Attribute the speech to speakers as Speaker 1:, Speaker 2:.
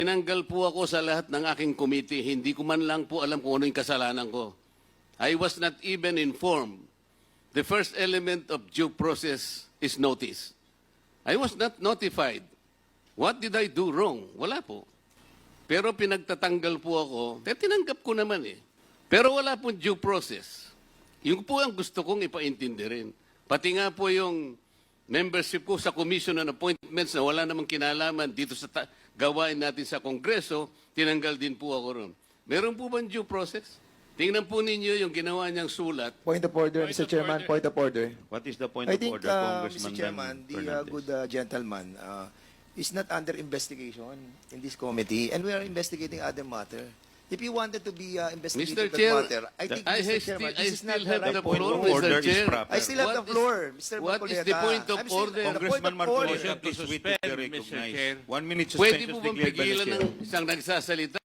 Speaker 1: Tinanggal po ako sa lahat ng aking committee. Hindi ko man lang po alam kung ano yung kasalanan ko. I was not even informed. The first element of due process is notice. I was not notified. What did I do wrong? Wala po. Pero pinagtatanggal po ako, tinanggap ko naman eh. Pero wala pong due process. Yung po ang gusto kong ipaintindi rin. Pati nga po yung membership ko sa Commission on Appointments na wala namang kinalaman dito sa gawain natin sa Kongreso, tinanggal din po ako ron. Meron po bang due process? Tingnan po ninyo yung ginawa niyang sulat.
Speaker 2: Point of order, Mr. Chairman. Point of order.
Speaker 3: What is the point
Speaker 2: I
Speaker 3: of
Speaker 2: think,
Speaker 3: order, Congressman
Speaker 2: Mr. Chairman, the
Speaker 3: Fernandez?
Speaker 2: good gentleman is not under investigation in this committee, and we are investigating other matter. If you wanted to be investigated
Speaker 1: Mr. Chair,
Speaker 2: that matter, I think, Mr. Chairman, this is not
Speaker 1: still
Speaker 2: the
Speaker 1: have
Speaker 2: right
Speaker 1: the
Speaker 3: point
Speaker 1: floor,
Speaker 3: of order
Speaker 1: Mr.
Speaker 3: is
Speaker 1: Chair.
Speaker 3: proper.
Speaker 2: I still have the floor, Mr.
Speaker 1: What is the
Speaker 2: Marcoleta.
Speaker 1: point of
Speaker 2: I'm still-
Speaker 1: order?
Speaker 2: the point
Speaker 3: Congressman
Speaker 2: of order.
Speaker 3: Marcoleta, please wait to be
Speaker 4: Suspend, Mr.
Speaker 3: recognized.
Speaker 4: Chair.
Speaker 3: 1 minute
Speaker 1: Pwede
Speaker 3: suspension
Speaker 1: po
Speaker 3: is
Speaker 1: bang
Speaker 3: declared by the
Speaker 1: pigilan
Speaker 3: chair.
Speaker 1: ng isang nagsasalita?